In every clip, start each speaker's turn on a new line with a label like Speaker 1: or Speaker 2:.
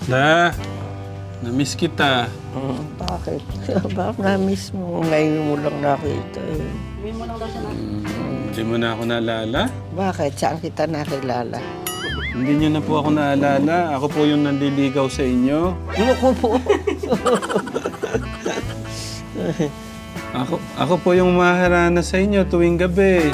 Speaker 1: La, na-miss kita.
Speaker 2: Bakit? Bakit na-miss mo? Ngayon mo lang nakita eh.
Speaker 3: Hindi mo lang daw siya na.
Speaker 1: Hindi mo na ako naalala?
Speaker 2: Bakit? Saan kita nakilala?
Speaker 1: Hindi niyo na po ako naalala. Ako po yung nandiligaw sa inyo.
Speaker 2: Loko po.
Speaker 1: Ako po yung maharana sa inyo tuwing gabi.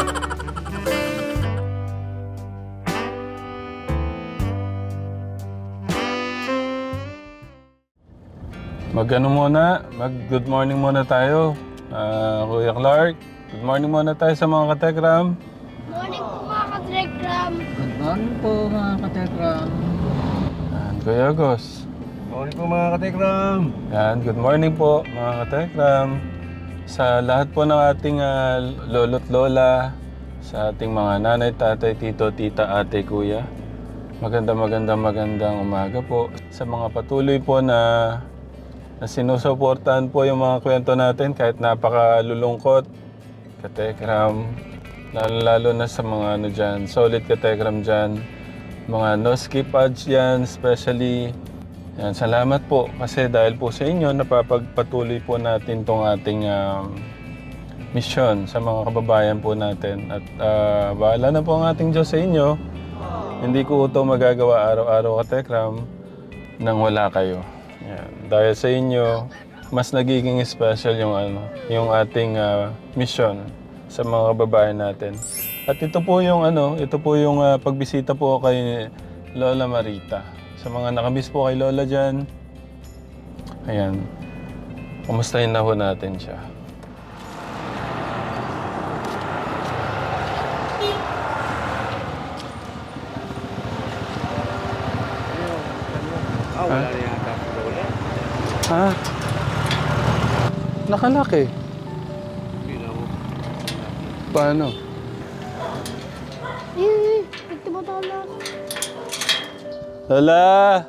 Speaker 1: Mag-good morning muna tayo. Kuya Clark, good morning muna tayo sa mga katekram.
Speaker 4: Morning po mga ka-Telegram.
Speaker 3: Good morning po mga katekram.
Speaker 1: Yan, Kuya Agos.
Speaker 5: Morning po mga katekram.
Speaker 1: Yan, good morning po mga katekram. Sa lahat po ng ating lolo't lola, sa ating mga nanay, tatay, tito, tita, ate, kuya. Magandang umaga po. Sa mga patuloy po na sinusuportahan po yung mga kwento natin kahit napakalulungkot. Katekram, lalo na sa mga ano dyan, solid katekram dyan. Mga no skip ads yan, especially. Yan, salamat po kasi dahil po sa inyo napapagpatuloy po natin tong ating misyon sa mga kababayan po natin. At bahala na po ang ating Diyos sa inyo. Hindi ko ito magagawa araw-araw katekram nang wala kayo. Yan. Dahil sa inyo, mas nagiging special yung ating mission sa mga kababayan natin. At ito po yung pagbisita po kay Lola Marita. Sa mga nakamiss po kay Lola dyan, ayan, kumustahin na ho natin siya.
Speaker 5: Wala na yata si Lola.
Speaker 1: Ha? Nakalaki.
Speaker 5: Hindi mo.
Speaker 1: Paano?
Speaker 4: Ito mo tala.
Speaker 1: Lola!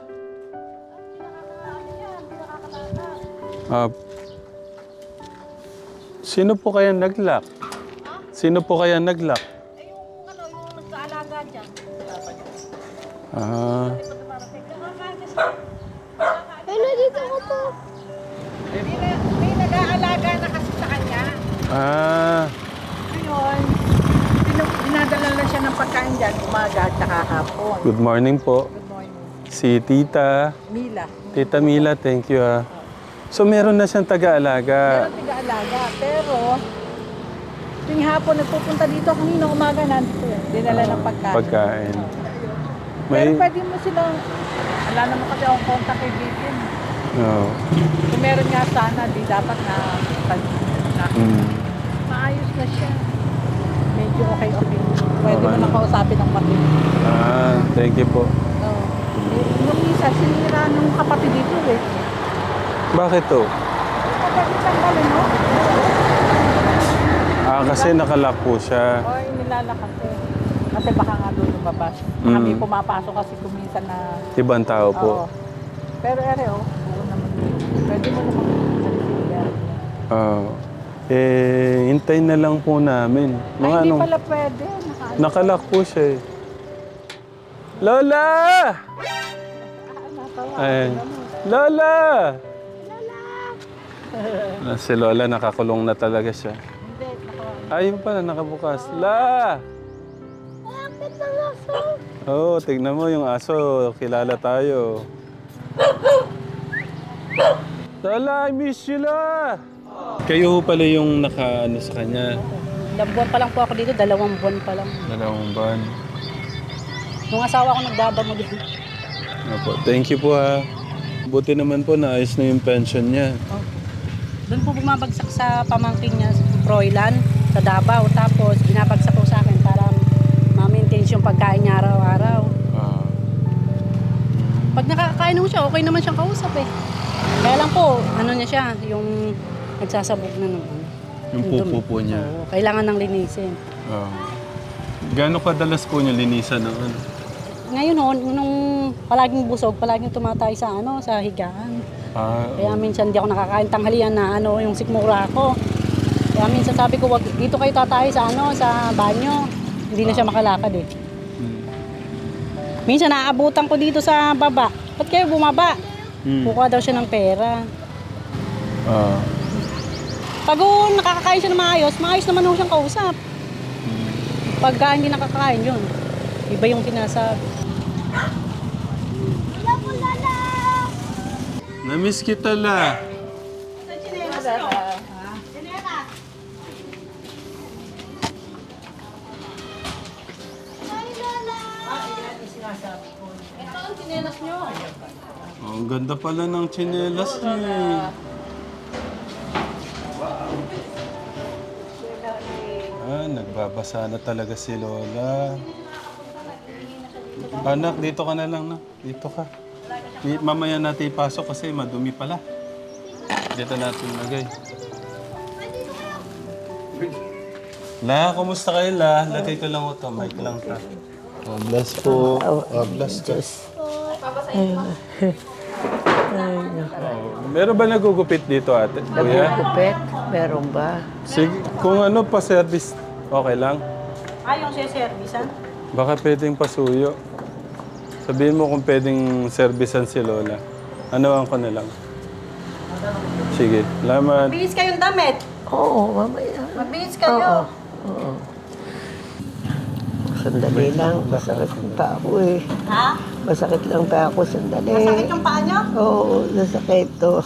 Speaker 1: Sino po kaya nag-lock? Sino po kaya nag-lock?
Speaker 3: Yung nagkaalaga dyan.
Speaker 1: Ah,
Speaker 4: Hello, dito ko po.
Speaker 3: May nag-aalaga na kasi sa kanya. Ngayon, dinadala lang siya ng pagkain dyan, umaga at saka hapon.
Speaker 1: good morning po.
Speaker 3: Good morning.
Speaker 1: Si Tita.
Speaker 3: Mila.
Speaker 1: Tita Mila, thank you So meron na siyang taga-alaga.
Speaker 3: Meron tiga-alaga, pero tuwing hapon nagpupunta dito, kanina umaga nandito yan. Dinala ng pagkain.
Speaker 1: Pagkain.
Speaker 3: Pero
Speaker 1: May...
Speaker 3: pwede mo silang, wala naman kasi akong contact kay Vivian.
Speaker 1: No.
Speaker 3: Kung meron nga sana, di dapat na maayos na siya. Medyo okay. Pwede mo
Speaker 1: Okay.
Speaker 3: na kausapin ng pati.
Speaker 1: Thank you po.
Speaker 3: Yung isa, sinira nung kapatid dito eh.
Speaker 1: Bakit to?
Speaker 3: Kapag tanggalin, no?
Speaker 1: Kasi nakalock po siya.
Speaker 3: O, nilalakad eh. Kasi baka nga doon lumabas. Baka may pumapasok kasi kuminsan na...
Speaker 1: Ibang tao po.
Speaker 3: Oo. Pero buo naman yun. Pwede mo naman
Speaker 1: Hintayin na lang po namin. Mga
Speaker 3: hindi pala pwede.
Speaker 1: Nakalock po siya eh. Lola! Ay, Lola! Si Lola nakakulong na talaga siya.
Speaker 3: Hindi,
Speaker 1: Ayun pala, nakabukas. La!
Speaker 4: Bakit ang aso?
Speaker 1: Oo, tignan mo yung aso. Kilala tayo. Lola, I miss you, La! Kayo pala yung naka-ano sa kanya.
Speaker 3: Ilang buwan pa lang po ako dito, 2 buwan pa lang.
Speaker 1: 2 buwan.
Speaker 3: Nung asawa ko nagdadamo din.
Speaker 1: Opo, thank you po ha. Buti naman po naayos na yung pension niya.
Speaker 3: Doon po bumabagsak sa pamangkin niya sa Froilan, sa Davao. Tapos binabagsak po sa akin para ma-maintain yung pagkain niya araw-araw. Pag nakakain mo siya, okay naman siyang kausap eh. Kaya lang po, ano niya siya, yung nagsasabog na naman.
Speaker 1: Yung pupo po niya.
Speaker 3: Oo, kailangan ng linisin.
Speaker 1: Gano'ng kadalas po niya linisan ng ano?
Speaker 3: Ngayon nung palaging busog, palaging tumatay sa sa higaan. Kaya minsan di ako nakakain tanghalian na yung sikmura ko. Kaya minsan sabi ko, wag dito kayo tatay sa sa banyo. Hindi na siya makalakad eh. Minsan naabutan ko dito sa baba. ba't kayo bumaba?
Speaker 1: Hmm.
Speaker 3: Kukuha daw siya ng pera.
Speaker 1: Ah.
Speaker 3: Pag nakakakain siya ng maayos naman ho siyang kausap. Pagka hindi nakakain yun, iba yung sinasabi.
Speaker 1: Namiss kita la.
Speaker 3: Ito ang sinelas nyo.
Speaker 1: Oh, ang ganda pala ng tsinelas niya eh. Nagbabasa na talaga si Lola. Anak, dito ka na lang na. Dito ka. Mamaya natin ipasok kasi madumi pala. Dito natin lagay. La, kumusta kayo la? Lagay ko lang ito. Mic lang ta. Oh, bless po. Oh, bless ka. Meron ba nagugupit dito ate? Kuya?
Speaker 2: Nagugupit? Meron ba?
Speaker 1: Sige, kung ano pa service, okay lang.
Speaker 3: Yung siya-servisan?
Speaker 1: Baka pwedeng pasuyo. Sabihin mo kung pwedeng servisan si Lola. Ano ko na lang. Sige, salamat.
Speaker 3: Magbihis kayong damit.
Speaker 2: Oo, mamaya.
Speaker 3: Magbihis kayo.
Speaker 2: Oo. Sandali lang. Masakit ang paa ko eh.
Speaker 3: Ha?
Speaker 2: Masakit lang pa ako. Sandali.
Speaker 3: Masakit yung paa nyo?
Speaker 2: Oo, nasakit to.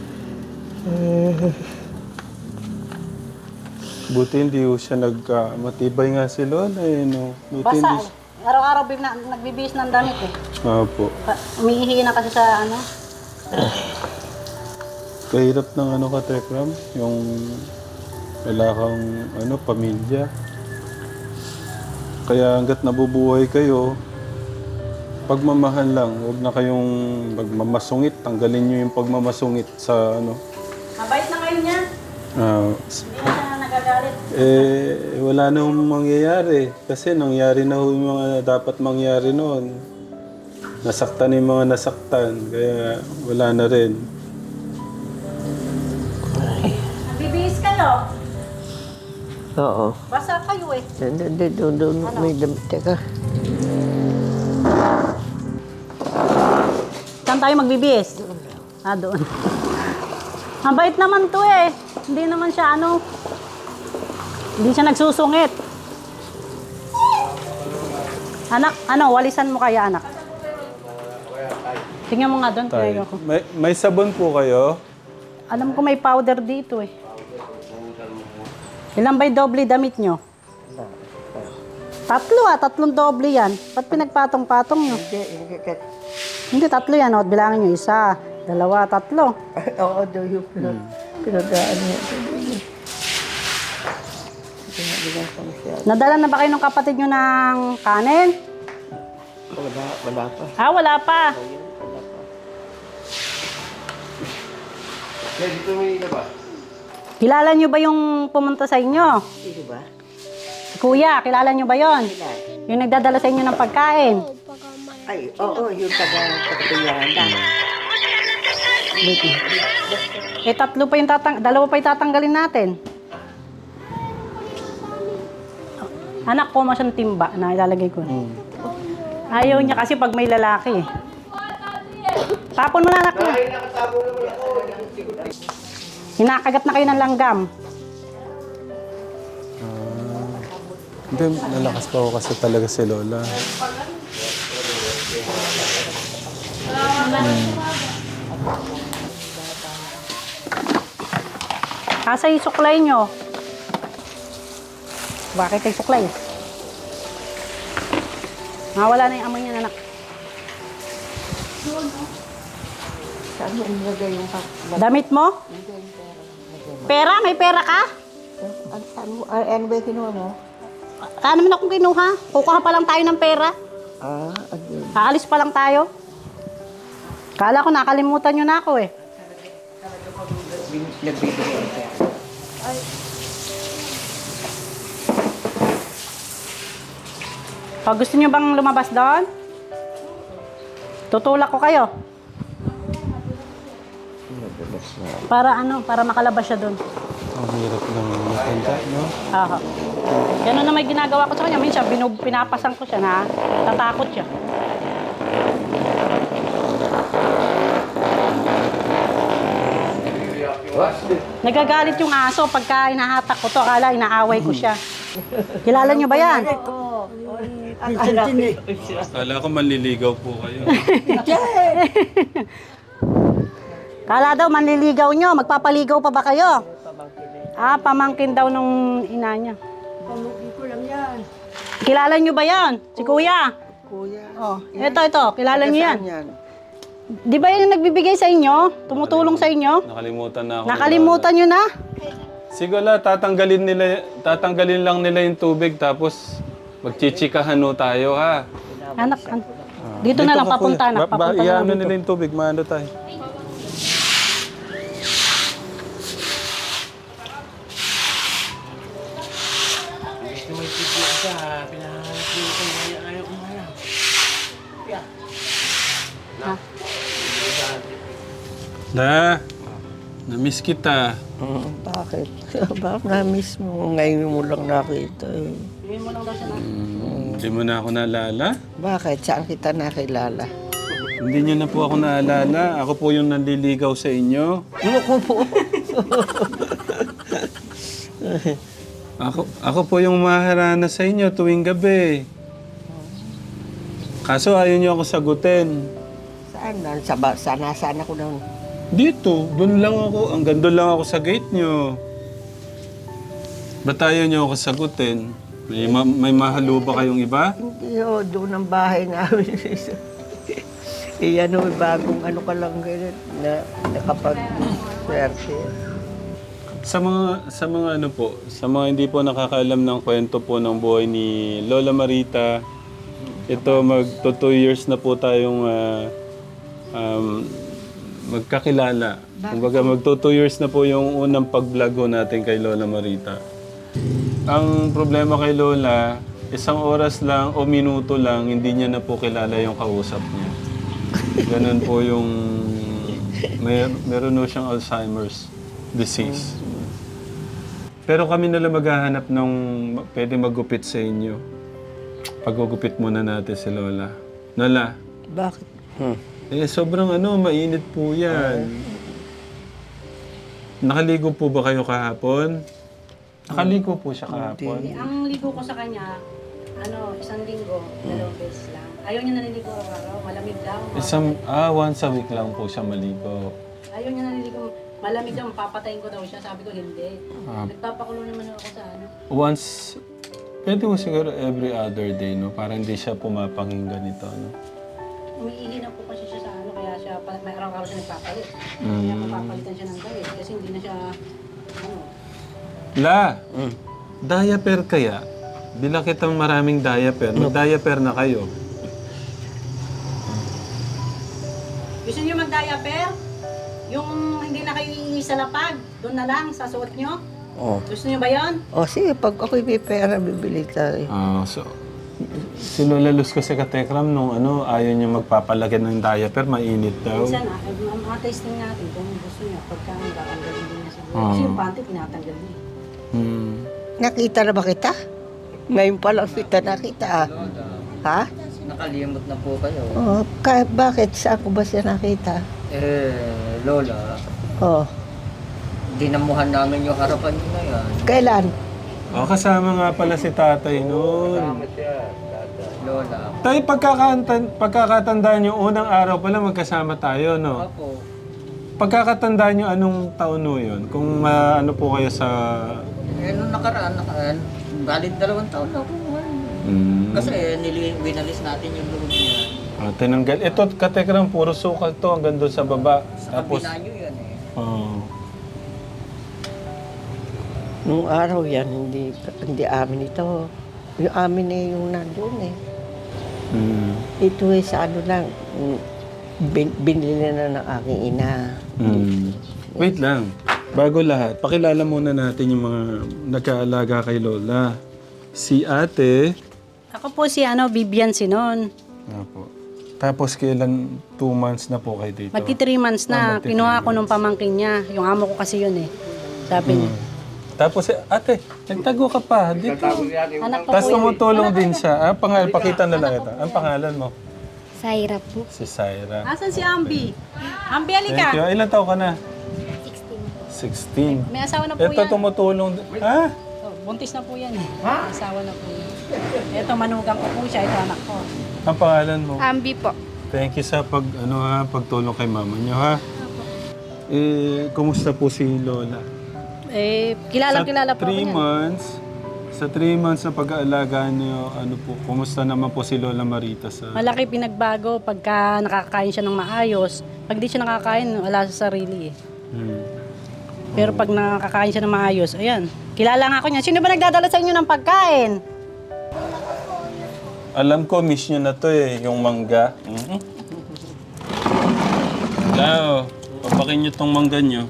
Speaker 1: Buti hindi ko siya matibay nga si Lola eh, no? Buti hindi
Speaker 3: Basta, araw-araw nagbibihis ng damit eh.
Speaker 1: Opo.
Speaker 3: Umiihi na kasi sa ano.
Speaker 1: Kahirap ng ano ka, Tekram? Yung wala kang pamilya. Kaya hanggat nabubuhay kayo, pagmamahal lang. Huwag na kayong magmamasungit. Tanggalin nyo yung pagmamasungit sa
Speaker 3: Mabait na ngayon niya. Hindi na siya nagagalit.
Speaker 1: Wala na hong mangyayari. Kasi nangyari na yung mga dapat mangyari noon. Nasaktan yung mga nasaktan. Kaya wala na rin.
Speaker 3: Nagbibihis kayo.
Speaker 2: Oo.
Speaker 3: Basta kayo eh.
Speaker 2: Doon, may damit. Teka.
Speaker 3: Saan tayo magbibihis? Doon. Mabait naman to eh. Hindi naman siya hindi siya nagsusungit. Anak, walisan mo kaya anak? Tingnan mo nga doon.
Speaker 1: Tay. May sabon po kayo?
Speaker 3: Alam ko may powder dito eh. Ilan ba'y doble damit nyo? Tatlong doble yan. Ba't pinagpatong-patong nyo? Hindi, tatlo yan. O, bilangin nyo. 1, 2, 3.
Speaker 2: Oo, doon yung pinagdaan niya.
Speaker 3: Nadala na ba kayo ng kapatid nyo ng kanin?
Speaker 2: Wala pa.
Speaker 3: Wala pa.
Speaker 5: Kaya dito may iba ba?
Speaker 3: Kilala nyo ba yung pumunta sa inyo?
Speaker 2: Sino ba?
Speaker 3: Si Kuya, kilala nyo ba yon? Yung nagdadala sa inyo ng pagkain.
Speaker 2: Ay, oo, yung taga-taga-taga.
Speaker 3: Dalawa pa yung tatanggalin natin. Anak ko, masyang timba na ilalagay ko. Ayaw niya kasi pag may lalaki. Tapon mo na anak ko. Hinakagat na kayo ng langgam.
Speaker 1: Hindi, nalakas pa ako kasi talaga si Lola.
Speaker 3: Asa yung suklay nyo? Bakit kayo suklay? Wala na yung amoy niya, anak.
Speaker 2: Saan mo ilagay yung
Speaker 3: Damit mo? Pera? May pera ka?
Speaker 2: ano ba yung kinuha mo?
Speaker 3: Ano naman akong kinuha? Kukuha pa lang tayo ng pera.
Speaker 2: Ayun.
Speaker 3: Aalis pa lang tayo. Kala ko nakalimutan nyo na ako eh.
Speaker 2: Nagbibigay ang pera.
Speaker 3: Pag gusto nyo bang lumabas doon? Tutulak ko kayo. Para para makalabas siya doon.
Speaker 1: Ang hirap ng matanda, no?
Speaker 3: Aha. Ganun na may ginagawa ko sa kanya. Minsan, pinapasan ko siya na tatakot siya. Nagagalit yung aso pagka inahatak ko to, akala inaaway ko siya. Kilala niyo ba yan?
Speaker 1: Akala ko manliligaw po kayo.
Speaker 3: Kala daw manliligaw nyo, magpapaligaw pa ba kayo? Ah, pamangkin daw nung ina niya.
Speaker 2: Pamukhi ko lang yan.
Speaker 3: Kilala niyo ba yan? Si Kuya?
Speaker 2: Kuya.
Speaker 3: Oh, ito, kilala niyo yan.
Speaker 2: Saan yan?
Speaker 3: Di ba yun yung nagbibigay sa inyo? Tumutulong sa inyo?
Speaker 1: Nakalimutan na ako.
Speaker 3: Nakalimutan nyo na?
Speaker 1: Siguro tatanggalin lang nila yung tubig tapos magchichikahan ho tayo ha.
Speaker 3: Anak, dito na lang
Speaker 1: ka,
Speaker 3: papunta
Speaker 1: kuya.
Speaker 3: na. Papunta na
Speaker 1: Iyaano
Speaker 3: lang
Speaker 1: nila
Speaker 3: dito.
Speaker 1: yung tubig, maano tayo.
Speaker 5: Gusto may video ka, pinahanap ko yung kanya, ayaw ko nga.
Speaker 1: Na, na-miss kita.
Speaker 2: Bakit? Bakit na-miss mo? Ngayon mo lang nakita eh.
Speaker 3: Bigyan mo lang daw siya na.
Speaker 1: Hindi mo na ako naalala?
Speaker 2: Bakit? Saan kita nakilala?
Speaker 1: Hindi niyo na po ako naalala. Ako po yung nanliligaw sa inyo.
Speaker 2: Ano ko po?
Speaker 1: Ako po yung maharana sa inyo tuwing gabi. Kaso ayaw niyo ako sagutin.
Speaker 2: Saan? Nasaan ako noon?
Speaker 1: Dito, doon lang ako. Hanggang doon lang ako sa gate niyo. Ba't ayaw niyo ako sagutin? May mahalo ba kayong iba?
Speaker 2: Hindi o, doon ang bahay namin. Ano, bagong ano ka lang ganyan na nakapag-swerte.
Speaker 1: Sa mga ano po, sa mga hindi po nakakaalam ng kwento po ng buhay ni Lola Marita, ito magto 2 years na po tayong magkakilala. Kumbaga magto 2 years na po yung unang pag-vlog natin kay Lola Marita. Ang problema kay Lola, 1 oras lang o minuto lang, hindi niya na po kilala yung kausap niya. Ganun po yung meron po siyang Alzheimer's disease. Pero kami na lang maghahanap ng pwede magupit sa inyo. Pagugupit muna natin si Lola. Lola,
Speaker 2: Bakit?
Speaker 1: sobrang mainit po yan. Nakaligo po ba kayo kahapon? Nakaligo po siya kahapon.
Speaker 3: Ang ligo ko sa kanya, 1 linggo, 2 beses lang. Ayaw niya naliligo araw-araw, malamig daw.
Speaker 1: Once a week lang po siya maligo.
Speaker 3: Ayaw niya naliligo, malamig daw, papatayin ko daw siya. Sabi ko, hindi. Nagpapakulo naman ako sa
Speaker 1: Once, pwede mo siguro every other day, no? Para hindi siya pumapakinggan nito, no?
Speaker 3: Umiihi na po kasi siya sa kaya siya, may araw-araw siya nagpapalit. Kaya papapalitan siya ng damit kasi hindi na siya,
Speaker 1: La, diaper kaya? Bila kitang maraming diaper. Mag-diaper na kayo.
Speaker 3: Gusto niyo mag-diaper? Yung hindi na kayo iihi sa lapag, doon na lang, sa suot niyo?
Speaker 2: Oh.
Speaker 3: Gusto niyo ba yon?
Speaker 2: O sige, pag ako'y may pera, bibili tayo.
Speaker 1: Si Lola Luz kasi katekram nung ayaw niya magpapalagyan ng diaper, mainit daw.
Speaker 3: Minsan, testing natin kung gusto niya, pagka tatanggalin din niya siguro. Kasi yung panty, tinatanggal niya.
Speaker 2: Nakita na ba kita? Ngayon pa lang kita nakita. Ha?
Speaker 6: Nakalimot na po kayo.
Speaker 2: Oh, bakit? Saan ko ba siya nakita?
Speaker 6: Lola,
Speaker 2: Oh,
Speaker 6: dinamuhan namin yung harapan niyo na yan.
Speaker 2: kailan?
Speaker 1: Kasama nga pala si tatay noon.
Speaker 6: Lola,
Speaker 1: Tayo, pagkakatandaan niyo, unang araw pala magkasama tayo, no?
Speaker 6: ako,
Speaker 1: Pagkakatandaan niyo, anong taon no yun? Kung ano po kayo sa...
Speaker 6: nung nakaraan, valid 2 taon na po. Kasi winalis natin yung loob niya.
Speaker 1: Tinanggal. Ito, katekram, puro sukal to hanggang doon sa baba.
Speaker 6: Sa kabila niyo yan eh.
Speaker 2: Nung araw yan, hindi amin ito. Yung amin eh, yung nandun eh. Ito eh, sa ano lang, binili na ng aking ina.
Speaker 1: Wait lang. Bago lahat, pakilala muna natin yung mga nagkaalaga kay Lola. Si ate.
Speaker 3: Ako po si Bibian Sinon.
Speaker 1: Apo. Tapos kailan 2 months na po kayo dito?
Speaker 3: Magti 3 months na. Kinuha ko nung pamangkin niya. Yung amo ko kasi yun eh. Sabi niya.
Speaker 1: Tapos ate, nagtago ka pa dito.
Speaker 3: Anak ko
Speaker 1: Tapos
Speaker 3: po yun.
Speaker 1: tumutulong din siya. Pakita na lang ito. Ang pangalan mo?
Speaker 4: Saira po.
Speaker 1: Si Syra.
Speaker 3: Asan si Ambi? Ambi, alika.
Speaker 1: Thank you. Ilan taon ka na?
Speaker 4: 16.
Speaker 1: 16.
Speaker 3: May asawa na po
Speaker 1: Ito
Speaker 3: yan.
Speaker 1: tumutulong. Ha?
Speaker 3: Oh, buntis na po yan eh. May asawa na po yan. Ito, manugang ko po siya. Ito, anak ko.
Speaker 1: Ang pangalan mo?
Speaker 4: Ambi po.
Speaker 1: Thank you sa pagtulong kay mama niyo, ha? Kumusta po si Lola?
Speaker 3: Kilala po ako
Speaker 1: 3
Speaker 3: niyan.
Speaker 1: months, sa 3 months na pag-aalaga niyo, kumusta naman po si Lola Marita sa...
Speaker 3: Malaki pinagbago pagka nakakain siya ng maayos. Pag di siya nakakain, wala sa sarili eh. Pero pag nakakain siya ng maayos, ayan. Kilala nga ako niya. Sino ba nagdadala sa inyo ng pagkain?
Speaker 1: Alam ko, miss niyo na to eh, yung mangga. Lao, papakin niyo tong mangga niyo.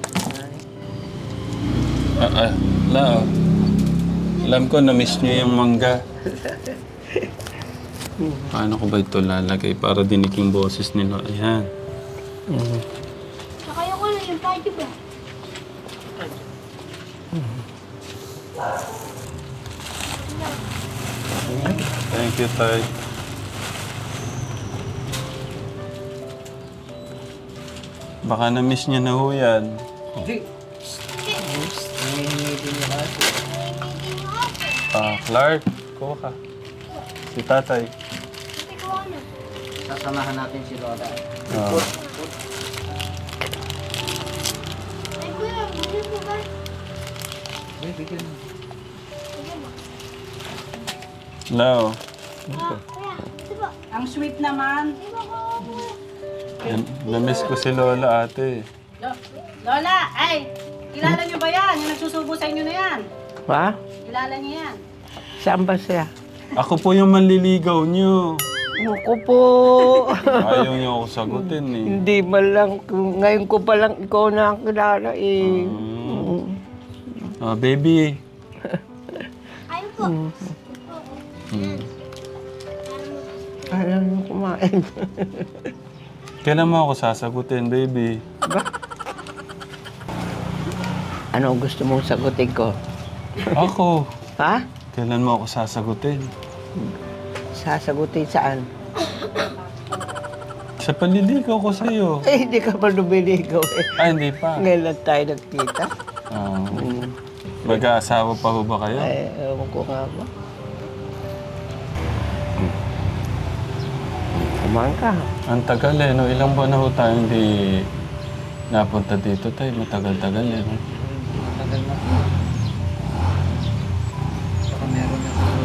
Speaker 1: Lao, alam ko, na-miss niyo yung mangga. Paano ko ba ito lalagay para dinig yung boses nila? Ayan.
Speaker 4: Nakaya ko na yung party ba?
Speaker 1: Thank you, Tay. Baka na-miss niya na ho yan.
Speaker 6: Hindi. Nangihingi din yung ate.
Speaker 1: Clark, kuha ka. Si Tatay.
Speaker 4: Ate ko ano?
Speaker 6: Sasamahan natin si Lola.
Speaker 4: Ay kuya, bigyan mo ba?
Speaker 6: Bigyan mo.
Speaker 4: Bigyan mo.
Speaker 1: Lao.
Speaker 4: Kuya, ito ba?
Speaker 3: Ang sweet naman.
Speaker 4: Di ba ko?
Speaker 1: Na-miss ko si Lola, ate.
Speaker 3: Lola, ay! Kilala niyo ba yan? Yung nagsusubo sa inyo na yan.
Speaker 2: Ha?
Speaker 3: Kilala niyo yan.
Speaker 2: Saan ba siya?
Speaker 1: Ako po yung manliligaw niyo.
Speaker 2: Ako po.
Speaker 1: Ayaw niyo ako sagutin eh.
Speaker 2: Hindi man lang, ngayon ko pa lang ikaw na ang kilala eh.
Speaker 1: Baby.
Speaker 4: Ayun po.
Speaker 2: Alam mo kumain.
Speaker 1: Kailan mo ako sasagutin, baby?
Speaker 2: Ano ang gusto mong sagutin ko?
Speaker 1: Ako.
Speaker 2: Ha?
Speaker 1: Kailan mo ako sasagutin?
Speaker 2: Sasagutin saan?
Speaker 1: Sa panliligaw ko sa'yo.
Speaker 2: Eh, hindi ka pa lumiligaw eh.
Speaker 1: Hindi pa.
Speaker 2: Ngayon lang tayo nagkita.
Speaker 1: Mag-aasawa pa ho ba kayo?
Speaker 2: Ay, ewan ko nga ba. Kumain ka.
Speaker 1: Ang tagal eh, no? Ilang buwan na ho tayo hindi napunta dito tayo. Matagal-tagal eh. No?
Speaker 6: Tagal na po. Baka meron na po.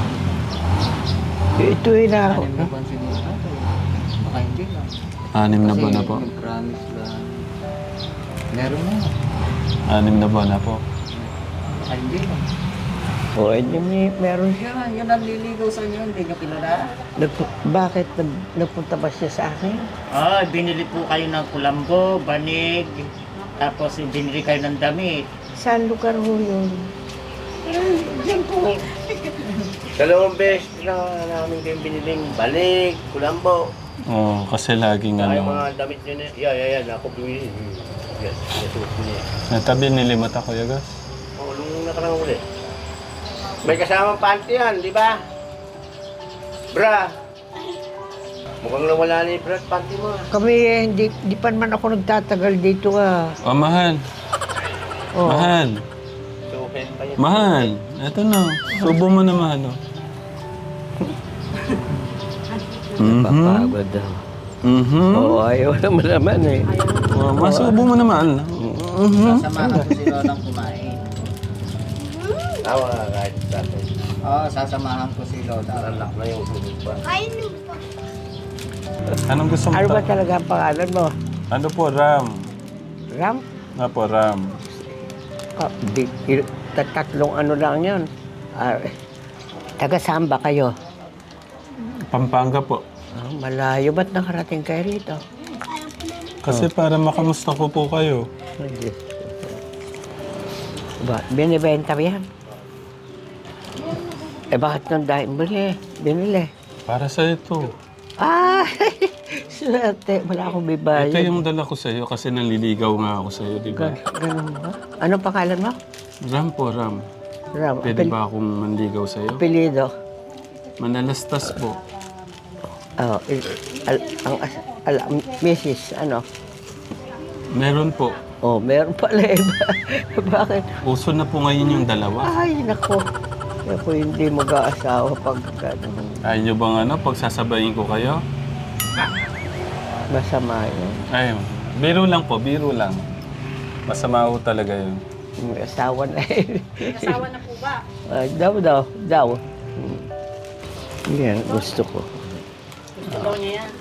Speaker 2: Ito yun na ako.
Speaker 6: 6 na buwan siguro natin. Baka hindi lang.
Speaker 1: 6 na buwan na po.
Speaker 6: Kasi nag-promise lang. Meron na.
Speaker 1: 6 na buwan na po.
Speaker 6: Baka hindi lang.
Speaker 2: O, meron siya.
Speaker 6: Yan ang liligaw sa inyo. Hindi nyo kilala.
Speaker 2: Bakit nagpunta ba siya sa akin?
Speaker 6: Binili po kayo ng kulambo, banig, tapos binili kayo ng damit.
Speaker 2: Saan lugar ho yun?
Speaker 6: Diyan po.
Speaker 5: Dalawang beses na namin kayong biniling balik, kulambo.
Speaker 1: Oo, kasi laging
Speaker 5: Ay,
Speaker 1: ano.
Speaker 5: mga damit nyo na, yan, ako bumili. Yes, nasuot niya.
Speaker 1: Natabi nilimot ako, Yagas.
Speaker 5: Oo, nung nakarang uli. May kasamang panty yan, di ba? Bra! Mukhang nawala na yung bra at panty mo.
Speaker 2: Kami hindi pa naman ako nagtatagal dito ah.
Speaker 1: Oh, mahal.
Speaker 2: Oh.
Speaker 1: Mahal.
Speaker 5: So, pen pa yan.
Speaker 1: Mahal. Ito na. Subo mo na, mahal. Oh.
Speaker 2: Papagod daw. Oo, ayaw naman naman eh.
Speaker 1: Masubo mo na, mahal.
Speaker 6: Sasamahan ko si Lolang kumain.
Speaker 5: Tawa nga kahit tatay.
Speaker 6: Sasamahan ko si Lola.
Speaker 5: Alak na yung sulit pa.
Speaker 4: Kain mo pa.
Speaker 1: Anong gusto mo?
Speaker 2: Ano ba talaga ang pangalan mo?
Speaker 1: Ano po, Ram?
Speaker 2: Ram?
Speaker 1: Nga po, Ram.
Speaker 2: Tatlong ano lang yun. Taga saan ba kayo?
Speaker 1: Pampanga po.
Speaker 2: Malayo. Ba't nakarating kayo rito?
Speaker 1: Kasi para makamusta ko po kayo.
Speaker 2: Ba, binibenta ba yan? Bakit nang dahil binili?
Speaker 1: Para sa ito.
Speaker 2: Swerte. Wala akong
Speaker 1: Ito
Speaker 2: bibayad.
Speaker 1: yung dala ko sa'yo kasi nanliligaw nga ako sa'yo, di ba?
Speaker 2: Ganun ba? Anong pangalan mo?
Speaker 1: Ram po, Ram.
Speaker 2: Ram.
Speaker 1: Pwede ba akong manligaw sa'yo?
Speaker 2: Apelido.
Speaker 1: Manalastas po.
Speaker 2: Mrs. Ano?
Speaker 1: Meron po.
Speaker 2: Oh, meron pala eh. Bakit?
Speaker 1: Uso na po ngayon yung dalawa.
Speaker 2: Ay, nako. Ako hindi mag-aasawa pag gano'n.
Speaker 1: Ayaw nyo bang pagsasabayin ko kayo?
Speaker 2: Masama yun.
Speaker 1: Ay, biro lang po, biro lang. Masama ho talaga yun.
Speaker 2: May asawa na eh.
Speaker 3: Asawa na po ba?
Speaker 2: Ay, daw. Yan, gusto ko.
Speaker 3: Gusto daw niya yan.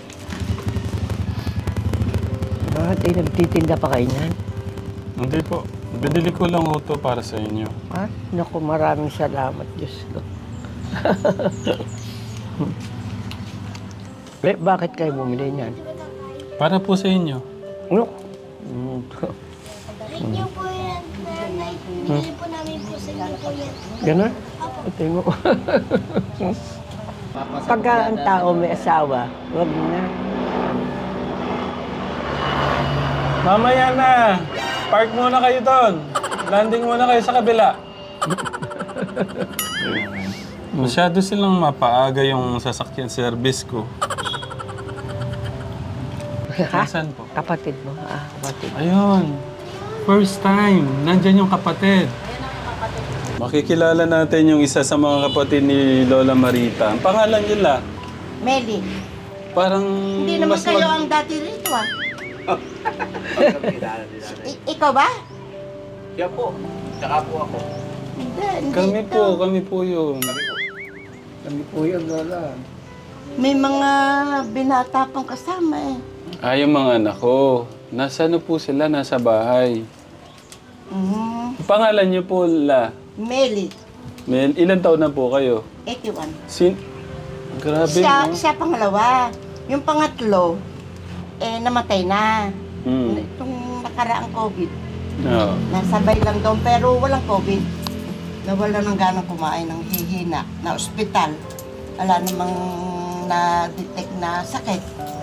Speaker 2: Bakit ay nagtitinda pa kayo niyan?
Speaker 1: Hindi po. Binili ko lang ho to para sa inyo.
Speaker 2: Ah, naku, maraming salamat, Diyos ko. Bakit kayo bumili niyan?
Speaker 1: Para po sa inyo.
Speaker 2: Ano?
Speaker 4: Thank you po yan, nanay. Bili po namin po sa inyo po yan.
Speaker 2: Gano'n? Ito mo. Pagka ang tao may asawa, wag na.
Speaker 1: Mamaya na! Park muna kayo doon. Landing muna kayo sa kabila. Masyado silang mapaaga yung sasakyan service ko. Nasaan po?
Speaker 2: Kapatid mo, kapatid.
Speaker 1: Ayun. First time. Nandyan yung kapatid. Makikilala natin yung isa sa mga kapatid ni Lola Marita. Ang pangalan nila,
Speaker 7: Meli,
Speaker 1: parang
Speaker 7: hindi naman kayo ang dati rito ah. Ikaw ba?
Speaker 5: Siya po. Tsaka po ako.
Speaker 7: Hindi.
Speaker 1: Kami po yun.
Speaker 2: Kami po yung lola.
Speaker 7: May mga binata pang kasama eh.
Speaker 1: Yung mga anak ko. Nasa po sila? Nasa bahay.
Speaker 7: Mhm.
Speaker 1: Ang pangalan niyo po, La.
Speaker 7: Meli,
Speaker 1: Ilan taon na po kayo?
Speaker 7: 81.
Speaker 1: Grabe, no?
Speaker 7: Siya pangalawa. Yung pangatlo, namatay na.
Speaker 1: Hmm.
Speaker 7: Itong nakaraang COVID.
Speaker 1: Oo.
Speaker 7: Nasabay lang doon pero walang COVID. Nawala ng ganang kumain ng hihina na ospital. Wala namang na-detect na sakit.